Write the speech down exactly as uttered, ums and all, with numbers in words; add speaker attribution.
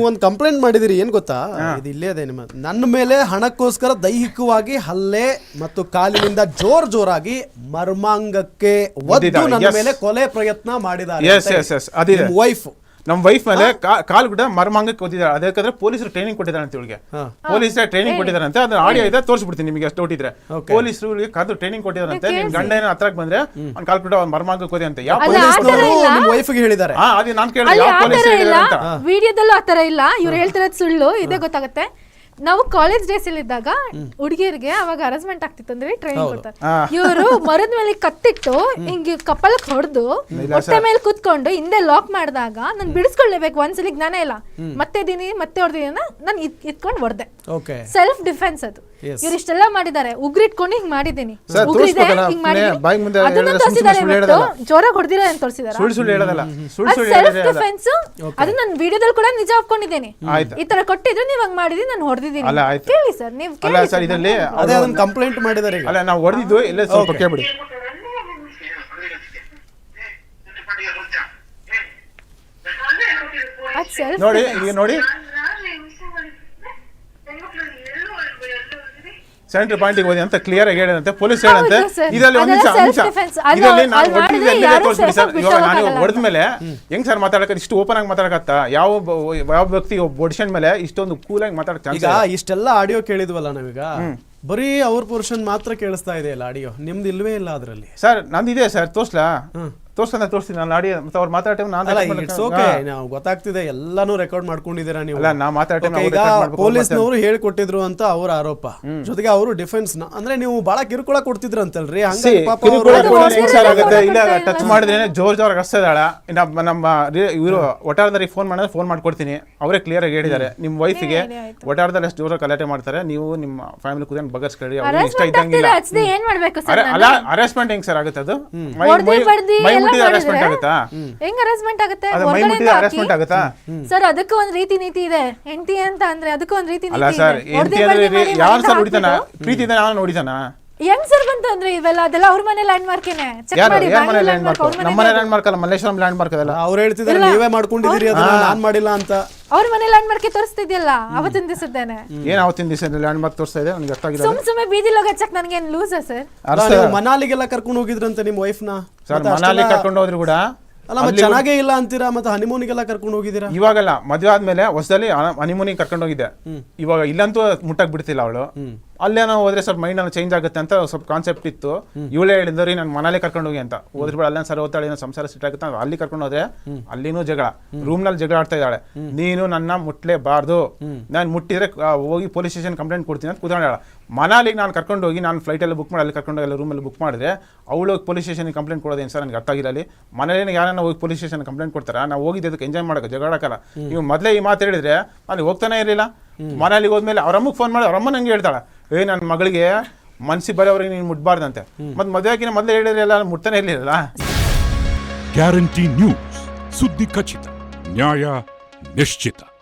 Speaker 1: ಒಂದು ಕಂಪ್ಲೇಂಟ್ ಮಾಡಿದಿರಿ, ಏನ್ ಗೊತ್ತಾ? ಇದು ಇಲ್ಲೇ ಇದೆ ನಿಮ್ಮ ನನ್ನ ಮೇಲೆ ಹಣಕ್ಕೋಸ್ಕರ ದೈಹಿಕವಾಗಿ ಹಲ್ಲೆ ಮತ್ತು ಕಾಲಿನಿಂದ ಜೋರ್ ಜೋರಾಗಿ ಮರ್ಮಾಂಗಕ್ಕೆ ಒದ್ದು ನನ್ನ ಮೇಲೆ ಕೊಲೆ ಪ್ರಯತ್ನ ಮಾಡಿದ್ದಾರೆ ವೈಫ್.
Speaker 2: ನಮ್ ವೈಫ್ ಮೇಲೆ ಕಾಲ್ ಕೂಡ ಮರ್ಮಾಂಗಕ್ಕೆ ಓದಿದ್ದಾರೆ. ಅದಕ್ಕೆ ಪೊಲೀಸರು ಟ್ರೈನಿಂಗ್ ಕೊಟ್ಟಿದ್ದಾರೆ ಅಂತ ಇವಳಿಗೆ. ಪೊಲೀಸರು ಟ್ರೈನಿಂಗ್ ಕೊಟ್ಟಿದ್ದಾರೆ ಅಂತ ಅದನ್ನ ಆಡಿಯೋ ಇದೆ, ತೋರಿಸ್ಬಿಡ್ತೀನಿ ನಿಮಗೆ ಅಷ್ಟು ನೋಟಿದ್ರೆ. ಪೊಲೀಸರು ಕಾದು ಟ್ರೈನಿಂಗ್ ಕೊಟ್ಟಿದ್ದಾರಂತೆ. ನಿಮ್ ಗಂಡ ಏನೋ ಹತ್ರಕ್ಕೆ ಬಂದ್ರೆ ಅವ್ನು ಕಾಲ್ ಕೂಡ ಮರ್ಮಾಂಗಕ್ಕೆ ಓದಿ ಅಂತ ಯಾವ
Speaker 1: ಪೊಲೀಸ್ ವೈಫ್ಗೆ ಹೇಳಿದ್ದಾರೆ?
Speaker 2: ಹಾ, ಅದು ನಾನು ಕೇಳಿದೆ ಯಾವ ಪೊಲೀಸ್ ಹೇಳಿದ್ದಾರೆ ಅಂತ.
Speaker 3: ವಿಡಿಯೋದಲ್ಲೂ ಆತರ ಇಲ್ಲ, ಇವ್ರು ಹೇಳ್ತಿರೋದು ಸುಳ್ಳು. ಇದೇ ಗೊತ್ತಾಗುತ್ತೆ. ನಾವು ಕಾಲೇಜ್ ಡೇಸ್ ಅಲ್ಲಿ ಇದ್ದಾಗ ಹುಡುಗಿಯರಿಗೆ ಅವಾಗ ಹರಾಸ್ಮೆಂಟ್ ಆಗ್ತಿತ್ತು ಅಂದ್ರೆ ಟ್ರೈನಿಂಗ್ ಕೊಡ್ತಾರೆ. ಇವರು ಮರದ ಮೇಲೆ ಕತ್ತಿಟ್ಟು ಹಿಂಗೆ ಕಪ್ಪಳಕ್ ಹೊಡೆದು ಹೊಟ್ಟೆ ಮೇಲೆ ಕುತ್ಕೊಂಡು ಹಿಂದೆ ಲಾಕ್ ಮಾಡಿದಾಗ ನಾನು ಬಿಡಿಸ್ಕೊಳ್ಳೇಬೇಕು. ಒಂದ್ಸಲಿ ಜ್ಞಾನ ಇಲ್ಲ, ಮತ್ತೆ ಇದೀನಿ ಮತ್ತೆ ಹೊಡೆದಿನ ನಾನು ಇತ್ಕೊಂಡು ಹೊಡೆದೆ. ಸೆಲ್ಫ್ ಡಿಫೆನ್ಸ್ ಅದು. ಇವ್ರು ಇಷ್ಟೆಲ್ಲ ಮಾಡಿದ್ದಾರೆ, ಉಗ್ರಿಟ್ಕೊಂಡು ಹಿಂಗ್ ಮಾಡಿದ್ದೀನಿ, ಉಗ್ರಿದೆ ಹಿಂಗ್ ಮಾಡಿದ್ದೀನಿ, ಅದನ್ನ ತೋರಿಸಿದ್ದಾರೆ. ಜೋರಾಗಿ ಹೊಡೆದಿಲ್ಲ ಅಂತ ತೋರಿಸಿದ್ದಾರೆ. ಸೆಲ್ಫ್ ಡಿಫೆನ್ಸ್ ಅದು ನಾನು ವಿಡಿಯೋದಲ್ಲಿ ಕೂಡ ನಿಜ ಒಪ್ಕೊಂಡಿದ್ದೇನೆ. ಈ ತರ ಕೊಟ್ಟಿದ್ರೆ ನೀವ್ ಹಂಗ್ ಮಾಡಿದ್ರಿ, ನಾನು ಹೊಡೆದಿದ್ದೀನಿ. ಕೇಳಿ ಸರ್, ನೀವು ಕೇಳಿ ಸರ್.
Speaker 2: ಇದರಲ್ಲಿ
Speaker 1: ಅದೇ ಅದನ್ನ ಕಂಪ್ಲೇಂಟ್ ಮಾಡಿದ್ದಾರೆ.
Speaker 2: ಅಲ್ಲ, ನಾವು ಹೊಡೆದಿದ್ದು ಎಲ್ಲ ಸ್ವಲ್ಪ ಕೇಳ್ಬಿಡಿ. ನೋಡಿ ಈಗ ನೋಡಿ ಸೆಂಟ್ರಲ್ ಪಾಯಿಂಟಿಗೆ ಹೋಗಿ ಅಂತ ಕ್ಲಿಯರ್ ಆಗಿ ಹೇಳಿದಂತೆ ಪೊಲೀಸ್ ಹೇಳಂತೆ. ಇದರಲ್ಲಿ ಒಂದು ನಿಮಿಷ ಇದರಲ್ಲಿ ನಾನು ಹೊಡೆದಿದ್ದೆ ಎಲ್ಲಿದೆ ತೋರಿಸ್ಬಿಡಿ ಸರ್. ಇವಾಗ ನಾನು ಹೊಡೆದ ಮೇಲೆ ಹೆಂಗ್ ಸರ್ ಮಾತಾಡಕ ಇಷ್ಟು ಓಪನ್ ಆಗಿ ಮಾತಾಡಕತ್ತ? ಯಾವ ಯಾವ ವ್ಯಕ್ತಿ ಬೊಡಿಷನ್ ಮೇಲೆ ಇಷ್ಟೊಂದು ಕೂಲ್ ಆಗಿ ಮಾತಾಡಕ?
Speaker 1: ಈಗ ಇಷ್ಟೆಲ್ಲ ಆಡಿಯೋ ಕೇಳಿದ್ವಲ್ಲ ನಾವೀಗ, ಬರೀ ಅವ್ರ ಪೋರ್ಷನ್ ಮಾತ್ರ ಕೇಳಿಸ್ತಾ ಇದೆ ಇಲ್ಲ ಆಡಿಯೋ, ನಿಮ್ದು ಇಲ್ವೇ ಇಲ್ಲ ಅದರಲ್ಲಿ.
Speaker 2: Sir ನಂದಿದೆ sir, ತೋರ್ಸ್ಲಾ? ತೋರ್ಸ್ತಾನೆ ತೋರಿಸ್ತೀನಿ ನಾನು ಆಡಿಯೋ. ಮತ್ತೆ ಅವ್ರು ಮಾತಾಡೋ ಟೈಮ್
Speaker 1: ನಾವು ಗೊತ್ತಾಗ್ತಿದೆ, ಎಲ್ಲಾನು ರೆಕಾರ್ಡ್ ಮಾಡ್ಕೊಂಡಿದ್ದೀರಾ ನೀವು.
Speaker 2: ಅಲ್ಲ, ನಾ ಮಾತಾಡೋ
Speaker 1: ಈಗ ಪೊಲೀಸ್ನವರು ಹೇಳ್ಕೊಟ್ಟಿದ್ರು ಅಂತ ಅವ್ರ ಆರೋಪ. ಜೊತೆಗೆ ಅವರು ಡಿಫೆನ್ಸ್ ಅಂದ್ರೆ ನೀವು ಬಹಳ ಕಿರುಕುಳ ಕೊಡ್ತಿದ್ರಂತಲ್ರಿ, ಹಂಗಾಗಿ ಪಾಪ
Speaker 2: ಇಲ್ಲ ಟಚ್ ಮಾಡಿದ್ರೆ ಜೋರ್ ಜೋರ್ ಹಸ್ತಿದಾಳ. ನಮ್ಮ ಇವರು ಒಟಾರದಲ್ಲಿ ಫೋನ್ ಮಾಡಿದ್ರೆ ಫೋನ್ ಮಾಡ್ಕೊಡ್ತೀನಿ, ಅವರೇ ಕ್ಲಿಯರ್ ಆಗಿ ಹೇಳಿದ್ದಾರೆ. ನಿಮ್ ವೈಫಿಗೆ ಒಟಾರದಲ್ಲಿ ಎಷ್ಟು ಜೋರ ಗಲಾಟೆ ಮಾಡ್ತಾರೆ, ನೀವು ನಿಮ್ಮ ಫ್ಯಾಮಿಲಿ ಕೂತ್ಕೊಂಡು ಬಗರ್ಸ್ಕೊಳ್ಳಿ, ಅವ್ರಿಗೆ ಇಷ್ಟ ಇದ್ದಂಗಿಲ್ಲ. ಅಲ್ಲ, ಅರೆಸ್ಟ್ಮೆಂಟ್ ಹೆಂಗ್ ಸರ್ ಆಗುತ್ತೆ? ಅದು
Speaker 3: ಸರ್ ಅದಕ್ಕೂ ಒಂದ್ ರೀತಿ ನೀತಿ ಇದೆ. ಹೆಂಡತಿ ಅಂತ ಅಂದ್ರೆ ಅದಕ್ಕೂ ಒಂದ್ ರೀತಿ
Speaker 2: ಅಲ್ಲ ಸರ್. ಯಾರು ಸರ್ ಹೊಡಿತಾನ? ಪ್ರೀತಿ ಇದೆ, ನಾನು ಹೊಡಿತಾನ?
Speaker 3: ಹೆಂಗ್ ಸರ್ ಬಂತು ಅಂದ್ರೆ ಇವೆಲ್ಲ ಅದೆಲ್ಲ ಅವ್ರ ಮನೆ ಲ್ಯಾಂಡ್ ಮಾರ್ಕ್ ಏನೆ.
Speaker 2: ನಮ್ಮ ಮನೆ ಲ್ಯಾಂಡ್ ಮಾರ್ಕ್ ಅಲ್ಲ, ಮಲ್ಲೇಶ್ವರಂ ಲ್ಯಾಂಡ್ ಮಾರ್ಕ್ ಅದಲ್ಲ.
Speaker 1: ಅವ್ರು ಹೇಳ್ತಿದ್ದಾರೆ ನೀವೇ ಮಾಡ್ಕೊಂಡಿದ್ದೀರಿ, ಅದನ್ನ ನಾನ್ ಮಾಡಿಲ್ಲ ಅಂತ.
Speaker 3: ಅವ್ರ ಮನೆ ಲ್ಯಾಂಡ್ ಮಾರ್ಕ್ ತೋರಿಸ್ತಿದ್ಯಲ್ಲ ಅವತ್ತಿನ ದಿವಸದ್ದೇನೆ.
Speaker 2: ಏನ್ ಅವತ್ತಿನ ದಿವಸ ಲ್ಯಾಂಡ್ ಮಾರ್ಕ್ ತೋರಿಸ್ತಾ ಇದೆ? ನನಗೆ ಅರ್ಥ ಆಗಿಲ್ಲ.
Speaker 3: ಸುಮ್ ಸುಮ್ಮನೆ ಬೀದಿಲಿ ಹೋಗಚ್ಚಕ್ ನನಗೆ ಏನ್ ಲೂಸಾ ಸರ್?
Speaker 1: ಮನಾಲಿಗೆಲ್ಲ ಕರ್ಕೊಂಡು ಹೋಗಿದ್ರಂತೆ ನಿಮ್ ವೈಫ್ ನ.
Speaker 2: ಸರ್ ಮನಾಲಿ ಕರ್ಕೊಂಡು ಹೋದ್ರು ಕೂಡ
Speaker 1: ಅಲ್ಲ, ಮತ್ತೆ ಚೆನ್ನಾಗೇ ಇಲ್ಲ ಅಂತೀರಾ. ಮತ್ತೆ ಹನಿಮೂನಿಗೆಲ್ಲ ಕರ್ಕೊಂಡು ಹೋಗಿದ್ದೀರಾ?
Speaker 2: ಇವಾಗಲ್ಲ, ಮದುವೆ ಆದ್ಮೇಲೆ ಹೊಸದಲ್ಲಿ ಹನಿಮೂನಿಗೆ ಕರ್ಕೊಂಡು ಹೋಗಿದ್ದೆ. ಇವಾಗ ಇಲ್ಲಂತೂ ಮುಟ್ಟಕ್ ಬಿಡ್ತಿಲ್ಲ ಅವಳು. ಅಲ್ಲೇನೋ ಹೋದ್ರೆ ಸ್ವಲ್ಪ ಮೈಂಡ್ ಏನೋ ಚೇಂಜ್ ಆಗುತ್ತೆ ಅಂತ ಸ್ವಲ್ಪ ಕಾನ್ಸೆಪ್ಟ್ ಇತ್ತು. ಇವಳೇ ಹೇಳಿದ್ರಿ ನಾನು ಮನಾಲಿ ಕರ್ಕೊಂಡು ಹೋಗಿ ಅಂತ. ಹೋದ್ರೆ ಬೇಡ, ಅಲ್ಲೇ ಸರ್ ಓದ್ತಾಳೆ, ಏನೋ ಸಂಸಾರ ಸಿಟ್ ಆಗುತ್ತೆ. ಅಲ್ಲಿ ಕರ್ಕೊಂಡು ಹೋದ್ರೆ ಅಲ್ಲಿನೂ ಜಗಳ, ರೂಮ್ ನಲ್ಲಿ ಜಗಳ ಆಡ್ತಾ ಇದ್ದಾಳೆ. ನೀನು ನನ್ನ ಮುಟ್ಲೇಬಾರ್ದು, ನಾನು ಮುಟ್ಟಿದ್ರೆ ಹೋಗಿ ಪೊಲೀಸ್ ಸ್ಟೇಷನ್ ಕಂಪ್ಲೇಂಟ್ ಕೊಡ್ತೀನಿ ಅಂತ ಕೂತ್ಕೊಂಡಾಳ. ಮನಾಲಿಗೆ ನಾನು ಕರ್ಕೊಂಡು ಹೋಗಿ ನಾನು ಫ್ಲೈಟ್ ಎಲ್ಲ ಬುಕ್ ಮಾಡಿ ಅಲ್ಲಿ ಕರ್ಕೊಂಡು ಹೋಗಿ ರೂಮಲ್ಲಿ ಬುಕ್ ಮಾಡಿದ್ರೆ ಅವಳು ಹೋಗಿ ಪೊಲೀಸ್ ಸ್ಟೇಷನ್ ಕಂಪ್ಲೇಂಟ್ ಕೊಡೋದೇನು ಸರ್? ನನಗೆ ಅರ್ಥ ಆಗಿಲ್ಲ. ಅಲ್ಲಿ ಮನೇಲಿ ಯಾರನ್ನ ಹೋಗಿ ಪೊಲೀಸ್ ಸ್ಟೇಷನ್ ಕಂಪ್ಲೇಂಟ್ ಕೊಡ್ತಾರ? ನಾವು ಹೋಗಿದ್ದು ಅದಕ್ಕೆ ಎಂಜಾಯ್ ಮಾಡೋಕೆ, ಜಗಳಾಕಲ್ಲ. ನೀವು ಮೊದಲೇ ಈ ಮಾತು ಹೇಳಿದ್ರೆ ಅಲ್ಲಿ ಹೋಗ್ತಾನೆ ಇರಲಿಲ್ಲ. ಮನಾಲಿಗೆ ಹೋದ್ಮೇಲೆ ಅವ್ರಮ್ಮಗೆ ಫೋನ್ ಮಾಡಿ ಅವ್ರಮ್ಮ ನಂಗೆ ಹೇಳ್ತಾಳೆ, ಏ ನನ್ನ ಮಗಳಿಗೆ ಮನ್ಸಿ ಬರೋವ್ರಿಗೆ ನೀನು ಮುಟ್ಬಾರ್ದಂತೆ. ಮತ್ತೆ ಮದುವೆ ಹಾಕಿನ ಮೊದಲೇ ಹೇಳಿರಲಿಲ್ಲ, ಮುಟ್ತಾನೆ ಇರಲಿಲ್ಲ.
Speaker 4: ಗ್ಯಾರಂಟಿ ನ್ಯೂಸ್, ಸುದ್ದಿ ಖಚಿತ, ನ್ಯಾಯ ನಿಶ್ಚಿತ.